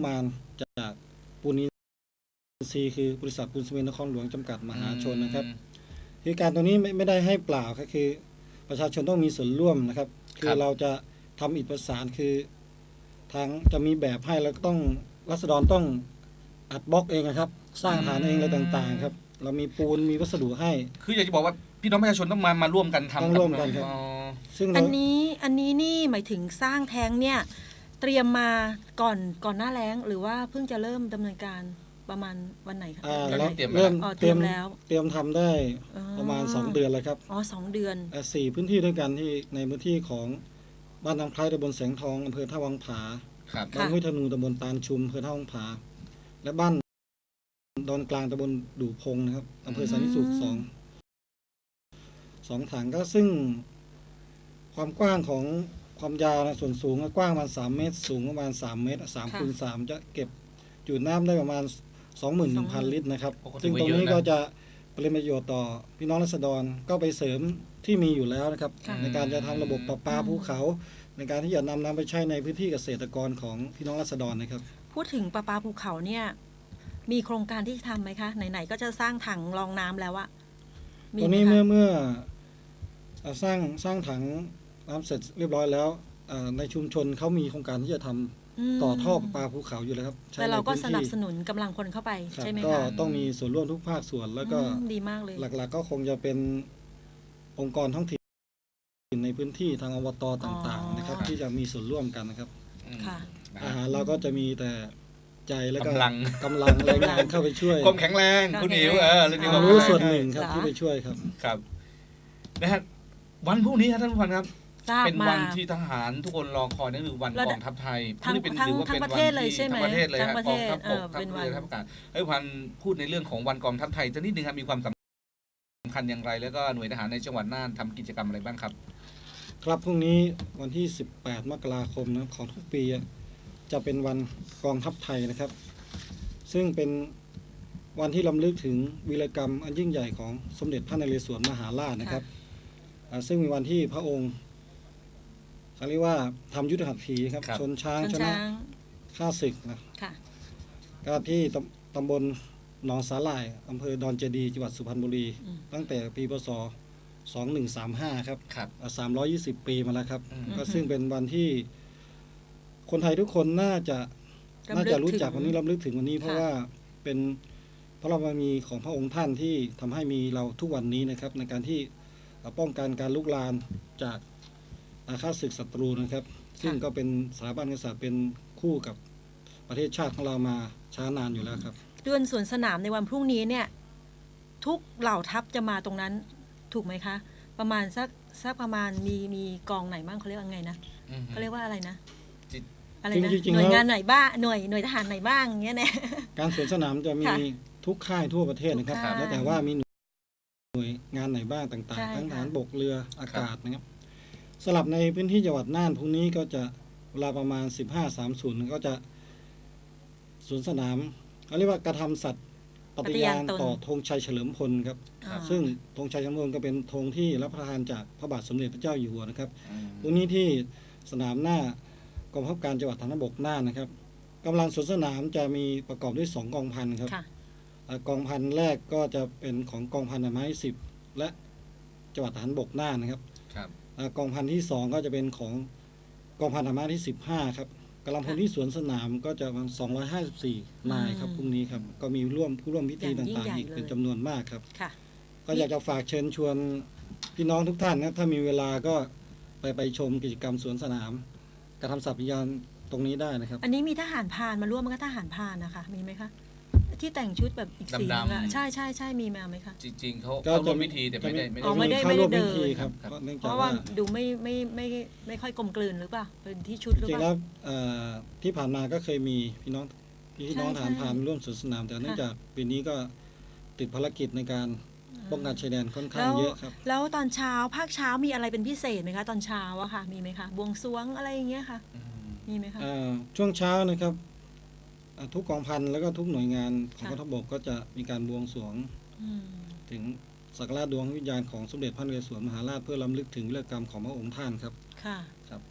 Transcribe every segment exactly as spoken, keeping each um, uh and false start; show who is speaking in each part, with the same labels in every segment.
Speaker 1: มานจากปูนอินทรีย์คือบริษัทปูนซีเมนต์นครหลวงจำกัดมหาชนนะครับคือการตรงนี้ไม่ไม่ได้ให้เปล่าก็คือประชาชนต้องมีส่วนร่วมนะครับคือเราจะทำอิฐประสานคือทางจะมีแบบให้แล้วก็ต้องรัษฎรต้องอัดบล็อกเองนะครับสร้างฐานเองอะไรต่างๆครับเรามีปูนมีวัสดุให้
Speaker 2: คืออยากจะบอกว่าพี่น้องประชาชนต้องมามาร่วมกันทำ
Speaker 1: ต้องร่วมกันครับ
Speaker 3: ซึ่งอันนี้อันนี้นี่หมายถึงสร้างแท้งเนี่ยเตรียมมาก่อนก่อนหน้าแล้งหรือว่าเพิ่งจะเริ่มดำเนินการประมาณวันไหนคะ
Speaker 1: เรา
Speaker 2: เตรียม
Speaker 1: เริ่ม
Speaker 3: เตรียมแล้ว
Speaker 1: เตรียมทำได้ประมาณสองเดือนแล้วครับ
Speaker 3: อ๋อสองเดือน
Speaker 1: สี่พื้นที่ด้วยกันที่ในพื้นที่ของบ้านน้ำคล้ายตำบลแสงทองอำเภอท่าวังผาบ้านห้วยธนูตำบลตาลชุมอำเภอท่าวังผาและบ้านดอนกลางตำบลดู่พงนะครับอำเภอสันติสุขสองสองถังก็ซึ่งความกว้างของความยาวนะส่วนสูงกว้างประมาณสามเมตรสูงประมาณสามเมตรสามคูณสามจะเก็บจุน้ำได้ประมาณสองหมื่นหนึ่งพันลิตรนะครับซึ่งตรงนี้ก็จะเป็นประโยชน์ต่อพี่น้องราษฎรก็ไปเสริมที่มีอยู่แล้วนะครับในการจะทำระบบประปาภูเขาในการที่จะนำน้ำไปใช้ในพื้นที่เกษตรกรของพี่น้องราษฎรนะครับ
Speaker 3: พูดถึงประปาภูเขาเนี่ยมีโครงการที่ทำไหมคะไหนๆก็จะสร้างถังรองน้ำแล้วอะ
Speaker 1: ตรงนี้เมื่อเมื่อสร้างสร้างถังน้ำเสร็จเรียบร้อยแล้วในชุมชนเขามีโครงการที่จะทำต่อท่อประปาภูเขาอยู่แล้วครับ
Speaker 3: แต่เราก็สนับสนุนกำลังคนเข้าไปใช่ไหมคะ
Speaker 1: ก็ต้องมีส่วนร่วมทุกภาคส่วนแล้วก็
Speaker 3: ดีมากเลย
Speaker 1: หลักๆก็คงจะเป็นองค์กรท้องถิ่นในพื้นที่ทางอบต.ต่างๆนะครับที่จะมีส่วนร่วมกันนะครับอาหารเราก็จะมีแต่ใจแล้วก็
Speaker 2: กำลัง
Speaker 1: กำลังแรงงานเข้าไปช่วย
Speaker 2: ความแข็งแรงคุณอิ๋วเออเรื่องนี้
Speaker 1: ความรู้ส่วนหนึ่งครับที่ไปช่วยครับ
Speaker 2: ครับนะฮะวันพรุ่งนี้ท่านผู้ฟังครับเป็นวันที่ทหารทุกคนรอคอยนั่นคือวันกองทัพไทย
Speaker 3: ทั้งทั้งทั้งประเทศเลยใช่ไหม
Speaker 2: ทั้งประเทศเลยครับกองทัพบกทัพเรือทัพอากาศให้พันพูดในเรื่องของวันกองทัพไทยจะนิดนึงครับมีความสำคัญอย่างไรแล้วก็หน่วยทหารในจังหวัดน่านทำกิจกรรมอะไรบ้างครับ
Speaker 1: ครับพรุ่งนี้วันที่สิบแปดมกราคมนะของทุกปีจะเป็นวันกองทัพไทยนะครับซึ่งเป็นวันที่รำลึกถึงวีรกรรมอันยิ่งใหญ่ของสมเด็จพระนเรศวรมหาราชนะครับซึ่งมีวันที่พระองค์เขาเรียกว่าทำยุทธหัตถีครับชนช้างชนะข้าศึกนะก็ที่ตำบลหนองสาหร่ายอำเภอดอนเจดีจังหวัดสุพรรณบุรีตั้งแต่ปีพศสองพันหนึ่งร้อยสามสิบห้าครับสามร้อยยี่สิบปีมาแล้วครับก็ซึ่งเป็นวันที่คนไทยทุกคนน่าจะน่าจะรู้จักวันนี้รำลึกถึงวันนี้เพราะว่าเป็นพระบารมีของพระองค์ท่านที่ทำให้มีเราทุกวันนี้นะครับในการที่ป้องกันการลุกลามจากอาฆาตศึกศัตรูนะครับซึ่งก็เป็นสถาบันกษัตริย์เป็นคู่กับประเทศชาติของเรามาช้านานอยู่แล้วครับ
Speaker 3: เดือนสวนสนามในวันพรุ่งนี้เนี่ยทุกเหล่าทัพจะมาตรงนั้นถูกไหมคะประมาณสักสักประมาณมีมีกองไหนบ้างเขาเรียกว่าไงนะเขาเรียกว่าอะไรนะอะไรนะหน่วยงานไหนบ้างหน่วยหน่วยทหารไหนบ้างเงี้ยเนี่ยการ
Speaker 1: สวนสนามจะมีทุกค่ายทั่วประเทศนะครับแล้วแต่ว่ามีหน่วยงานไหนบ้างต่างๆทั้งทหารบกเรืออากาศนะครับสลับในพื้นที่จังหวัดน่านพรุ่งนี้ก็จะเวลาประมาณ สิบห้าสามสิบ ก็จะสวนสนามเขาเรียกว่ากระทำสัตย์ปฏิญาณต่อธงชัยเฉลิมพลครับซึ่งธงชัยเฉลิมพลก็เป็นธงที่รับประทานจากพระบาทสมเด็จพระเจ้าอยู่หัวนะครับพรุ่งนี้ที่สนามหน้ากองบังคับการจังหวัดฐานบกน่านนะครับกำลังสวนสนามจะมีประกอบด้วยสองกองพันครับกองพันแรกก็จะเป็นของกองพันไม้สิบและจังหวัดฐานบกน่านนะครับกองพันที่สองก็จะเป็นของกองพันธรรมะที่สิบห้าครับกำลังพลที่สวนสนามก็จะประมาณสองร้อยห้าสิบสี่นายครับพรุ่งนี้ครับก็มีร่วมผู้ร่วมพิธีต่างๆอีกเป็นจำนวนมากครับก็อยากจะฝากเชิญชวนพี่น้องทุกท่านนะถ้ามีเวลาก็ไปไปชมกิจกรรมสวนสนามกระทำสัตย์ปฏิญาณตรงนี้ได้นะครับ
Speaker 3: อันนี้มีทหารพรานมาร่วมมันก็ทหารพรานนะคะมีไหมคะที่แต่งชุดแบบอีกสีนึงอะใช่ใช่ใช่มีมาไหมคะ
Speaker 2: จริงๆเขาเขาร่วมพิธีแต่ไม่ได้
Speaker 3: ไม่ได้ไม่ได้เดิน
Speaker 1: ครับ
Speaker 3: เพราะว่าดูไม่ไม่ไม่ไม่ค่อยกลมกลืนหรือเปล่าเป็นที่ชุดหรือเปล่าจริงแล้ว
Speaker 1: ที่ผ่านมาก็เคยมีพี่น้องพี่น้องทหารพรานร่วมสวนสนามแต่เนื่องจากปีนี้ก็ติดภารกิจในการป้องกันชายแดนค่อนข้างเยอะครับ
Speaker 3: แล้วตอนเช้าภาคเช้ามีอะไรเป็นพิเศษไหมคะตอนเช้าอะค่ะมีไหมคะบวงสรวงอะไรอย่างเงี้ยค่ะมีไหมคะ
Speaker 1: ช่วงเช้านะครับทุกกองพันแล้วก็ทุกหน่วยงานของกองทัพบกก็จะมีการบวงสรวงถึงสักการะดวงวิญญาณของสมเด็จพระนเรศวรมหาราชเพื่อรำลึกถึงวีรกรรมของพระองค์ท่านครับ
Speaker 3: ค่ะ
Speaker 1: ครับ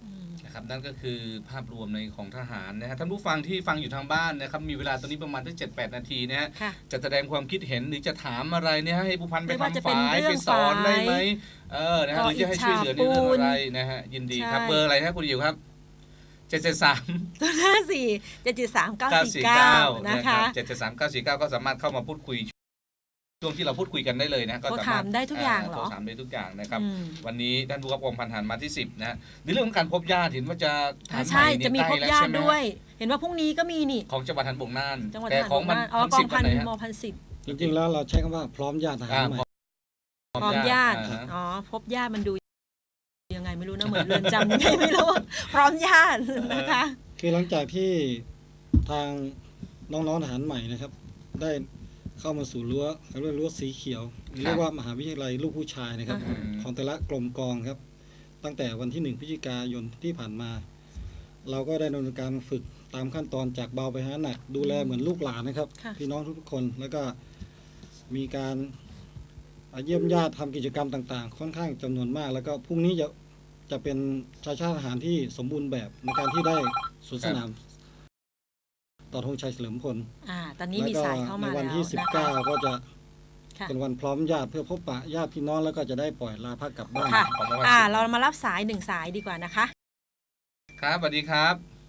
Speaker 2: นะครับนั่นก็คือภาพรวมในของทหารนะฮะท่านผู้ฟังที่ฟังอยู่ทางบ้านนะครับมีเวลาตอนนี้ประมาณตั้งเจ็ดแปดนาทีนะฮะจะแสดงความคิดเห็นหรือจะถามอะไรเนี่ยให้ผู้พันไปทำฝายไปสอนได้ไหมเออนะฮะหรือจะให้ช่วยเหลือในเรื่องอะไรนะฮะยินดีครับเบอร์อะไรครับคุณยิวครับเจ็ดเจ็ดสาม
Speaker 3: ตัวห้าสี่เจ็ดเจ็ดสามเก้าสี่เก้านะคะ
Speaker 2: เจ็ดเจ็ดสามเก้าสี่เก้าก็สามารถเข้ามาพูดคุยช่วงที่เราพูดคุยกันได้เลยนะก็สามารถ
Speaker 3: ได้ทุกอย่างหรอ
Speaker 2: ถามได้ทุกอย่างนะครับวันนี้ท่านผู้กำกับกองพันทหารมาที่สิบนะในเรื่องของการพบญาติเห็นว่าจะ
Speaker 3: ใช่จะมีพบญาติด้วยเห็นว่าพรุ่งนี้ก็มีนี่
Speaker 2: ของจังหวัดทหารบกน่าน
Speaker 3: แต่ของมันอ๋อกองพันมพันสิบ
Speaker 1: จริงๆแล้วเราใช้คำว่าพร้อมญาติทหารใหม่
Speaker 3: พร้อมญาติอ๋อพบญาติมันดูยังไงไม่รู้นะเหมือนเรือนจำยังไงไม่รู้พร้อมญาตินะคะ
Speaker 1: คือหลังจากที่ทางน้องๆทหารใหม่นะครับได้เข้ามาสู่รั้วเขาเรียกรั้วสีเขียวเรียกว่ามหาวิทยาลัยลูกผู้ชายนะครับของแต่ละกรมกองครับตั้งแต่วันที่หนึ่งพฤศจิกายนที่ผ่านมาเราก็ได้ดำเนินการฝึกตามขั้นตอนจากเบาไปหาหนักดูแลเหมือนลูกหลานนะครับพี่น้องทุกคนแล้วก็มีการเยี่ยมญาติทำกิจกรรมต่างๆค่อนข้างจำนวนมากแล้วก็พรุ่งนี้จะจะเป็นชายชาติทหารที่สมบูรณ์แบบในการที่ได้สวนสนามต่อธงชัยเฉลิมพล
Speaker 3: อ่าตอนนี้มีสายเข้ามาแล้ว
Speaker 1: ในวันที่สิบเก้าก็จะเป็นวันพร้อมญาติเพื่อพบปะญาติพี่น้องแล้วก็จะได้ปล่อยลาพักกลับบ้าน
Speaker 3: อ่าเรามารับสายหนึ่งสายดีกว่านะคะ
Speaker 2: ครับสวัสดีครับ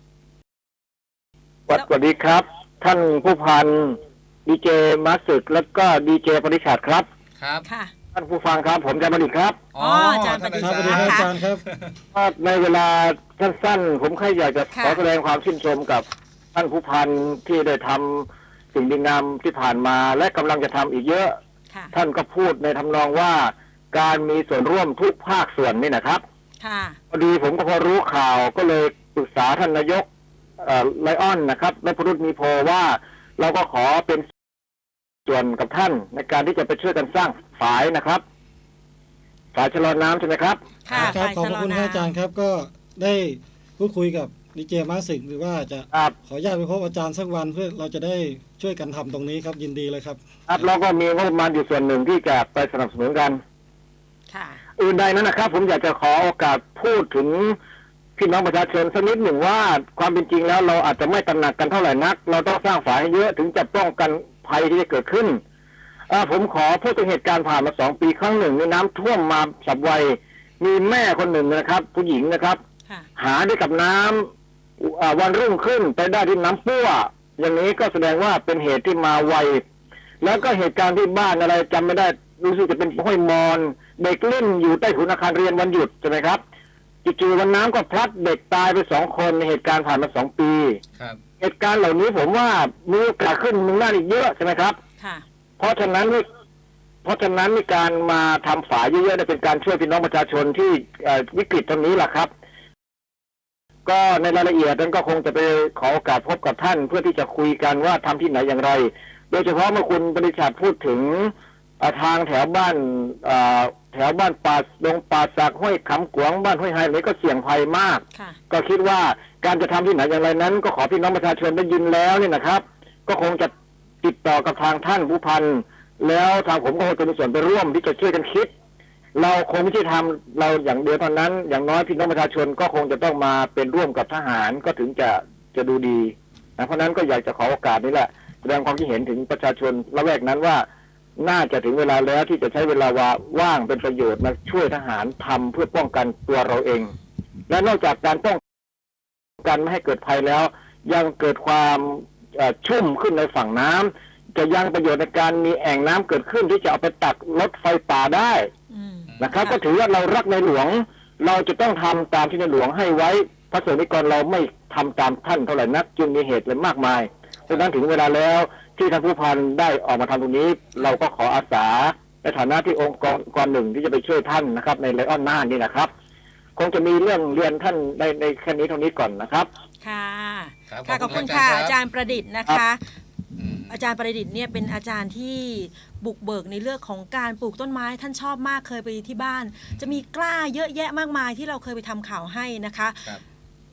Speaker 4: สวัสดีครับท่านผู้พันดีเจมาสึกแล้วก็ดีเจปริชาติครับ
Speaker 2: ครับ
Speaker 3: ค่ะ
Speaker 4: ท่านผู้ฟังครับผมอาจารย์ประดิษฐ์ครับ
Speaker 3: อ๋ออาจารย์ประดิษฐ์
Speaker 1: ครับอาจารย์ครับ
Speaker 4: ในเวลาสั้นๆผมแค่อยากจะขอแสดงความชื่นชมกับท่านผู้พันที่ได้ทำสิ่งดีงามที่ผ่านมาและกำลังจะทำอีกเยอะท่านก็พูดในทำนองว่าการมีส่วนร่วมทุกภาคส่วนนี่นะครับพอดีผมก็พอรู้ข่าวก็เลยปรึกษาท่านนายกไลออนนะครับและพรุษมีโพว่าเราก็ขอเป็นส่วนกับท่านในการที่จะไปช่วยกันสร้างฝายนะครับฝายชะลอน้ำใช่ไหมครับ
Speaker 1: ครับขอบคุณอาจารย์ครับก็ได้พูดคุยกับดีเจมาสึกหรือว่าจะขออนุญาตไปพบอาจารย์สักวันเพื่อเราจะได้ช่วยกันทำตรงนี้ครับยินดีเลยครับ
Speaker 4: ครับเราก็มีงบประมาณอยู่ส่วนหนึ่งที่จะไปสนับสนุนกัน
Speaker 3: ค่ะ
Speaker 4: อื่นใดนั้นนะครับผมอยากจะขอโอกาสพูดถึงพี่น้องประชาชนสักนิดหนึ่งว่าความเป็นจริงแล้วเราอาจจะไม่ตระหนักกันเท่าไหร่นักเราต้องสร้างฝายให้เยอะถึงจะป้องกันภัยที่จะเกิดขึ้นผมขอพูดถึงเหตุการณ์ผ่านมาสองปีครั้งหนึ่งมีน้ำท่วมมาฉับไวมีแม่คนหนึ่งนะครับผู้หญิงนะครับหาได้กับน้ำวันรุ่งขึ้นไปได้ที่น้ำปั้วอย่างนี้ก็แสดงว่าเป็นเหตุที่มาไวแล้วก็เหตุการณ์ที่บ้านอะไรจำไม่ได้รู้สึกจะเป็นห้วยมอนเด็กเล่นอยู่ใต้ถุนอาคารเรียนวันหยุดใช่ไหมครับจู่ๆวันน้ำก็พลัดเด็กตายไปสองคนในเหตุการณ์ผ่านมาสองปีเหตุการณ์เหล่านี้ผมว่ามีโอกาสขึ้นมึงหน้าอีกเยอะใช่ไหมครับเพราะฉะนั้นเพราะฉะนั้นมีการมาทำฝายเยอะๆเป็นการช่วยพี่น้องประชาชนที่วิกฤตตรงนี้แหละครับก็ในรายละเอียดนั้นก็คงจะไปขอโอกาสพบกับท่านเพื่อที่จะคุยกันว่าทำที่ไหนอย่างไรโดยเฉพาะเมื่อคุณปริชาติพูดถึงทางแถวบ้านแถวบ้านป่าดงป่าสักห้วยขำกวางบ้านห้วยไฮนี้ก็เสี่ยงภัยมากก็คิดว่าการจะทำที่ไหนอย่างไรนั้นก็ขอพี่น้องประชาชนได้ยินแล้วนี่นะครับก็คงจะติดต่อกับทางท่านผู้พันแล้วทางผมก็คงจะมีส่วนไปร่วมที่จะช่วยกันคิดเราคงไม่ใช่ทำเราอย่างเดียวเท่านั้นอย่างน้อยพี่น้องประชาชนก็คงจะต้องมาเป็นร่วมกับทหารก็ถึงจะจะดูดีนะเพราะนั้นก็อยากจะขอโอกาสนี้แหละแสดงความคิดเห็นถึงประชาชนละแวกนั้นว่าน่าจะถึงเวลาแล้วที่จะใช้เวลาว่างเป็นประโยชน์มาช่วยทหารทำเพื่อป้องกันตัวเราเองและนอกจากการป้องกันไม่ให้เกิดภัยแล้วยังเกิดความชุ่มขึ้นในฝั่งน้ำจะยังประโยชน์ในการมีแอ่งน้ำเกิดขึ้นที่จะเอาไปตักลดไฟป่าได้นะครับก็ถือว่าเรารักในหลวงเราจะต้องทำตามที่ในหลวงให้ไว้พระสงฆ์นิกรเราไม่ทำตามท่านเท่าไหร่นักจึงมีเหตุเลยมากมายดังนั้นถึงเวลาแล้วที่ท่านผู้พันได้ออกมาทำตรงนี้เราก็ขออาสาในฐานะที่องค์กรหนึ่งที่จะไปช่วยท่านนะครับในไลออนน่านนี่นะครับคงจะมีเรื่องเรียนท่านในในแค่นี้เท่านี้ก่อนนะครับ
Speaker 3: ค่ะค่ะขอบคุณค่ะอาจารย์ประดิษฐ์นะคะอาจารย์ประดิษฐ์เนี่ยเป็นอาจารย์ที่บุกเบิกในเรื่องของการปลูกต้นไม้ท่านชอบมากเคยไปที่บ้านจะมีกล้าเยอะแยะมากมายที่เราเคยไปทำข่าวให้นะคะพ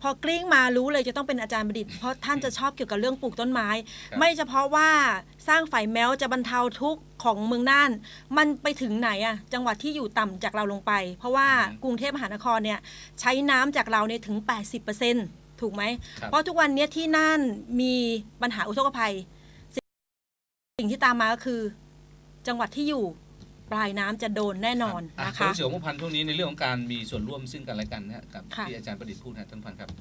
Speaker 3: พอกลิ้งมารู้เลยจะต้องเป็นอาจารย์ประดิษฐ์เพราะท่านจะชอบเกี่ยวกับเรื่องปลูกต้นไม้ ไม่เฉพาะว่าสร้างฝ่ายแม้วจะบรรเทาทุกข์ของเมืองน่านมันไปถึงไหนอะจังหวัดที่อยู่ต่ำจากเราลงไป เพราะว่ากรุงเทพมหานครเนี่ยใช้น้ำจากเราเนี่ยถึง แปดสิบเปอร์เซ็นต์ ถูกไหมเพราะทุกวันนี้ที่น่านมีปัญหาอุทกภัยสิ่งที่ตามมาก็คือจังหวัดที่อยู่ปลายน้ำจะโดนแน่นอนนะคะ
Speaker 2: เสี่ยวมุพันธ์ช่วงนี้ในเรื่องของการมีส่วนร่วมซึ่งกันและกันนะกับที่อาจารย์ประดิษฐ์พูดนะท่านพันครับ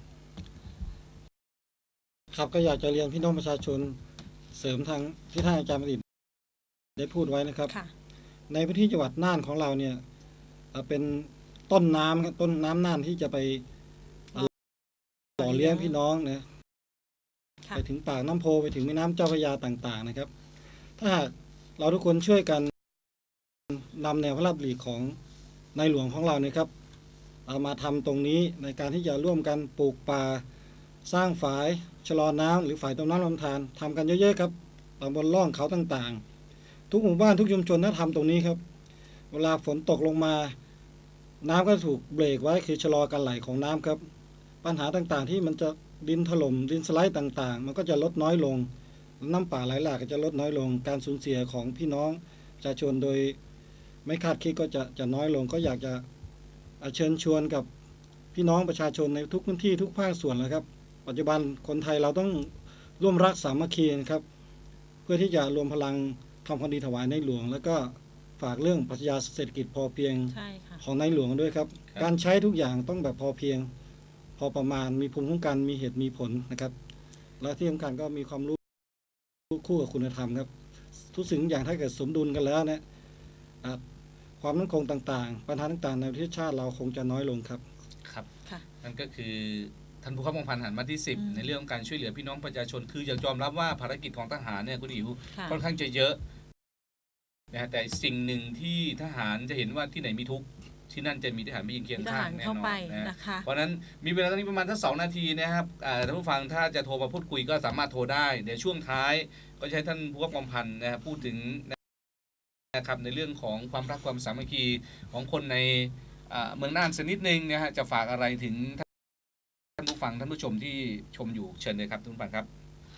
Speaker 1: ครับก็อยากจะเรียนพี่น้องประชาชนเสริมทางที่ท่านอาจารย์ประดิษฐ์ได้พูดไว้นะครับในพื้นที่จังหวัดน่านของเราเนี่ยเป็นต้นน้ำครับต้นน้ำน่านที่จะไปหล่อเลี้ยงพี่น้องนะไปถึงปากน้ำโพไปถึงแม่น้ำเจ้าพระยาต่างๆนะครับถ้าหากเราทุกคนช่วยกันนำแนวพระราชดำริของในหลวงของเราเนี่ยครับเอามาทำตรงนี้ในการที่จะร่วมกันปลูกป่าสร้างฝายชะลอน้ำหรือฝายต้นน้ำลำธารทำกันเยอะๆครับตามบนร่องเขาต่างๆทุกหมู่บ้านทุกชุมชนถ้าทำตรงนี้ครับเวลาฝนตกลงมาน้ำก็ถูกเบรกไว้คือชะลอการไหลของน้ำครับปัญหาต่างๆที่มันจะดินถล่มดินสไลด์ต่างๆมันก็จะลดน้อยลงน้ำป่าไหลหลากก็จะลดน้อยลงการสูญเสียของพี่น้องประชาชนโดยไม่คาดคิดก็จะจะน้อยลงก็อยากจะเชิญชวนกับพี่น้องประชาชนในทุกพื้นที่ทุกภาคส่วนนะครับปัจจุบันคนไทยเราต้องร่วมรักสามัคคีนะครับเพื่อที่จะรวมพลังทำความดีถวายในหลวงแล้วก็ฝากเรื่องปรัชญาเศรษฐกิจพอเพียงของในหลวงด้วยครับการใช้ทุกอย่างต้องแบบพอเพียงพอประมาณมีภูมิคุ้มกันมีเหตุมีผลนะครับและที่สำคัญก็มีความรู้คู่กับคุณธรรมครับทุกสิ่งอย่างถ้าเกิดสมดุลกันแล้วเนี่ยความมั่นคงต่างๆปัญหาต่างๆในประเทศชาติเราคงจะน้อยลงครับ
Speaker 2: ครับนั่นก็คือท่านผู้ข้าราชการหันมาที่สิบในเรื่องการช่วยเหลือพี่น้องประชาชนคืออยากยอมรับว่าภารกิจของทหารเนี่ยคุณอิ๋วค่อนข้างจะเยอะนะแต่สิ่งหนึ่งที่ทหารจะเห็นว่าที่ไหนมีทุกข์ที่นั่นจะมีทหารมายืนเคียงข้างแน่นอนนะเพราะนั้นมีเวลาตอนนี้ประมาณทั้งสองนาทีนะครับท่านผู้ฟังถ้าจะโทรมาพูดคุยก็สามารถโทรได้เดี๋ยวช่วงท้ายก็ใช้ท่านผู้ว่าพันธ์นะครับพูดถึงนะครับในเรื่องของความรักความสามัคคีของคนในเมืองน่านสักนิดนึงนะฮะจะฝากอะไรถึงท่านผู้ฟังท่านผู้ชมที่ชมอยู่เชิญเลยครับท่านผู้ฟังครับ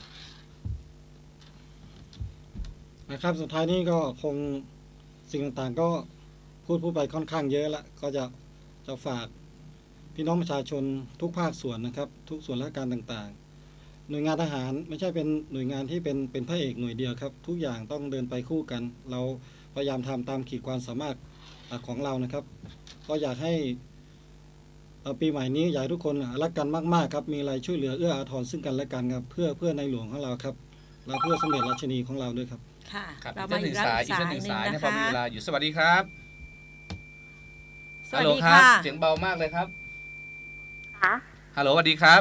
Speaker 1: นะครับสุดท้ายนี้ก็คงสิ่งต่างๆก็พูดพูดไปค่อนข้างเยอะละก็จะจะฝากพี่น้องประชาชนทุกภาคส่วนนะครับทุกส่วนราชการต่างๆหน่วยงานทหารไม่ใช่เป็นหน่วยงานที่เป็นเป็นพระเอกหน่วยเดียวครับทุกอย่างต้องเดินไปคู่กันเราพยายามทำตามขีดความสามารถของเรานะครับก็อยากให้ปีใหม่นี้อยากให้ทุกคนรักกันมากๆครับมีอะไรช่วยเหลือเอื้ออาทรซึ่งกันและกันครับเพื่อเพื่อในหลวงของเราครับและเพื่อสมเด็จราชินีของเราด้วยครับ
Speaker 3: ค่ะ
Speaker 2: เรามาอีกสายอีกหนึ่งสายนะพอมีเวลาอยู่สวัสดีครับฮัลโหลครับเสียงเบามากเลยครับฮัลโหลสวัสดีครับ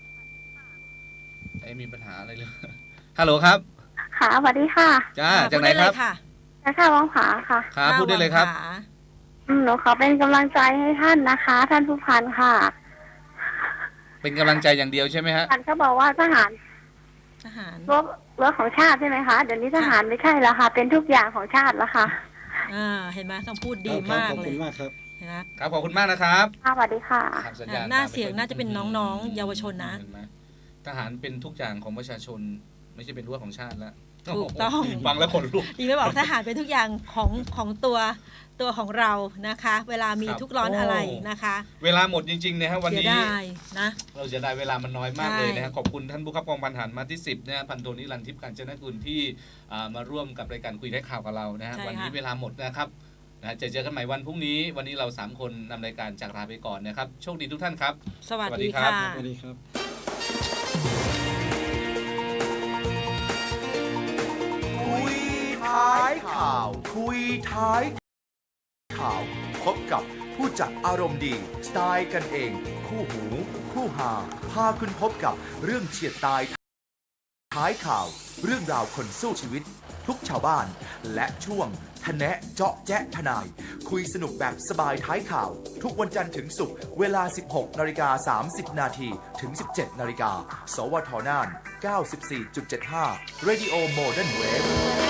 Speaker 2: ไอ้มีปัญหาอะไรเลยฮัลโหลครับ
Speaker 5: ค่ะสวัสดีค่ะ
Speaker 2: จ้าจากไหนครับ
Speaker 5: ค่ะวังผาค่ะ
Speaker 2: ครับพูดได้เลยครับ
Speaker 5: หนูขอเป็นกำลังใจให้ท่านนะคะท่านผู้พันค่ะ
Speaker 2: เป็นกำลังใจอย่างเดียวใช่ไหมฮะ
Speaker 5: ท่านเขาบอกว่าทหาร
Speaker 3: ทหาร
Speaker 5: รบรบของชาติใช่ไหมคะเดี๋ยวนี้ทหารไม่ใช่แล้วค่ะเป็นทุกอย่างของชาติแล้วค่ะ
Speaker 3: อ่าเห็นไหมคำพูดดีมากเลย
Speaker 1: ขอบคุณมากครับ
Speaker 2: ครับขอบคุณมากนะครับ
Speaker 5: สวัสดีค่ะ
Speaker 3: หน้าเสียงน่าจะเป็นน้องๆเยาวชนนะ
Speaker 2: ทหารเป็นทุกอย่างของประชาชนไม่ใช่เป็นรั้วของชาติแล้ว
Speaker 3: ถูกต้อง
Speaker 2: ฟังแล้วขนลุก
Speaker 3: ดีไม่บอกทหารเป็นทุกอย่างของของตัวตัวของเรานะคะเวลามีทุกร้อนอะไรนะคะ
Speaker 2: เวลาหมดจริงๆนะครับวันนี้
Speaker 3: นะ
Speaker 2: เราจะได้เวลามันน้อยมากเลยนะขอบคุณท่านผู้ขับกองพันหันมาที่สิบนะพันโทนิรันดร์ทิพย์กาญจนกุลที่มาร่วมกับรายการคุยได้ข่าวกับเรานะวันนี้เวลาหมดนะครับนะจะเจอกันใหม่วันพรุ่งนี้วันนี้เราสามคนนำรายการจากลาไปก่อนนะครับโชคดีทุกท่านครับ
Speaker 3: สวัสดีค่ะ
Speaker 1: สวัสดีครับ
Speaker 6: คุยท้ายข่าวคุยท้ายข่าวพบกับผู้จัดอารมณ์ดีสไตล์กันเองคู่หูคู่หาพาคุณพบกับเรื่องเฉียดตายท้ายข่าวเรื่องราวคนสู้ชีวิตทุกชาวบ้านและช่วงทะแนะเจาะแจ๊ะทนายคุยสนุกแบบสบายท้ายข่าวทุกวันจันทร์ถึงศุกร์เวลา สิบหกนาฬิกาสามสิบนาทีถึง สิบเจ็ดนาฬิกาสวทน่าน เก้าสิบสี่จุดเจ็ดห้า Radio Modern Wave